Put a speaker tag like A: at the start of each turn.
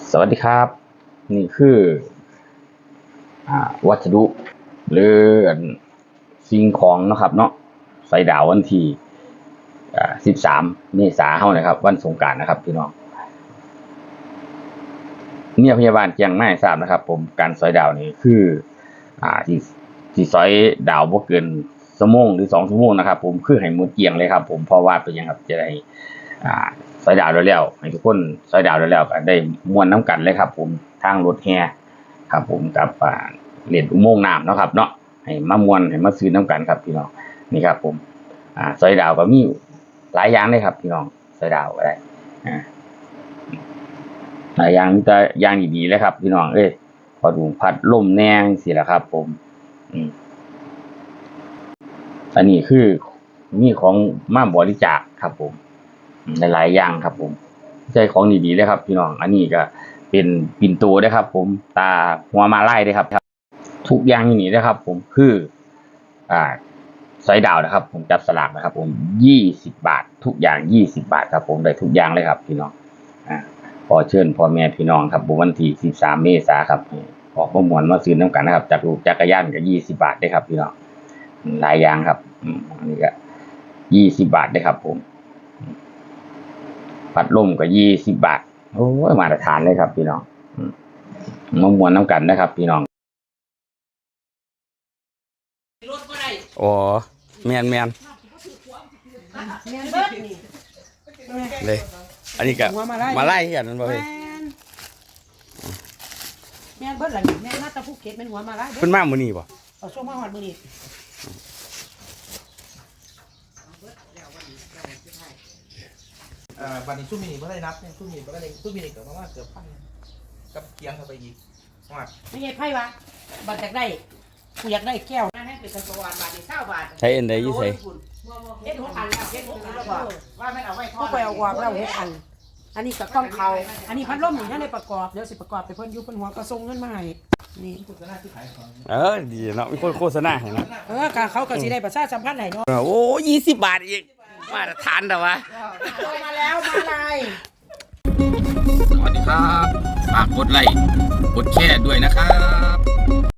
A: สวัสดีครับนี่คือวัสดุหรือสิ่งของนะครับเนาะใส่ดาววันที่13 เมษายนเฮานะครับวันสงกรานต์นะครับพี่น้องเนี่ยพยาบาลแจ้งมาให้ทราบนะครับผมการสอยดาวนี่คือที่สอยดาวบ่เกินชั่วโมงหรือ2 ชั่วโมงนะครับผมคือให้หมดเกลี้ยงเลยครับผมเพราะว่าเป็นหยังครับจะได้สอยดาวแล้วให้ทุกคนสอยดาวแล้วก็ได้ม่วนน้ำกันเลยครับผมทางรถแห่ครับผมกับเล่นอุโมงค์น้ำเนาะครับเนาะให้มาม่วนให้มาซื้อน้ำกันครับพี่น้องนี่ครับผมสอยดาวก็มีหลายอย่างเลยครับพี่น้องสอยดาวก็ได้หลายอย่างแต่อย่างดีๆเลยครับพี่น้องพอดูพัดลมแนงสิล่ะครับผมอันนี้คือมีของมาบริจาคครับผมหลายๆอย่างครับผมใช้ของดีๆเลยครับพี่น้องอันนี้ก็เป็นปิ่นโตได้ครับผมตาหัวมาไล่ได้ครับทุกอย่างอย่างนี้นะครับผมคือสอยดาวนะครับผมจับสลากนะครับผม20 บาททุกอย่าง20 บาทครับผมได้ทุกอย่างเลยครับพี่น้องขอเชิญพ่อแม่พี่น้องครับวันที่13 เมษายนครับออกประมวลมาซื้อน้ำกันนะครับจากลูกจักรยานก็20 บาทได้ครับพี่น้องหลายอย่างครับอันนี้ก็20 บาทได้ครับผมพัดลมก็20 บาทโอ้ยมาตรฐานเลยครับพี่น้องมามวนน้ำกันนะครับพี่น้องอ๋อแมนเลยอันนี้ก็มาไล่กันนั่นบ่เฮ้ย
B: แม่นเบิดล่ะแม่นมาตะภูเก็ตแม่นหัวมาไล่
A: เพิ่นมามื้อนี้บ่
B: เอาช่วงมาฮอดมื้อนี้
C: วันนี้สู้มินิไม่ได้นับเนี่ยสู้มินิก็ได้สู้มินิเกิดมาเกือบพันกับเกียงเข้าไปอีกว่า
B: ไม่ใช่ไพ่วะบัตรอยากได้กูอยากได้แก้วนั่นให้เป็นกระสวานบาท20 บาท
A: ใช้อันใดอยู่ไส
B: เฮ็ดหัวอันแล้วเฮ็ดหัวอันแล้วว่ามันเอาไว้ทอดกูไปเอาออกแล้วเฮ็ดอันนี้ก็ต้องเขาอันนี้พัดลมนี่ยังได้ประกอบเดี๋ยวสิประกอบไปเพิ่นอยู่เพิ่นหัวก็ส่งเงินมาให้นี่
A: ดีเนาะมีคนโฆษณาให้เนาะ
B: ก็เขาก็สิได้ประชาสัมพันธ์ให้เนาะ
A: โอ้20 บาทอีกมาตรฐานแต่ว่า
B: มาแล้วมาเลย
A: สวัสดีครับฝากกดไลค์กดแชร์ด้วยนะครับ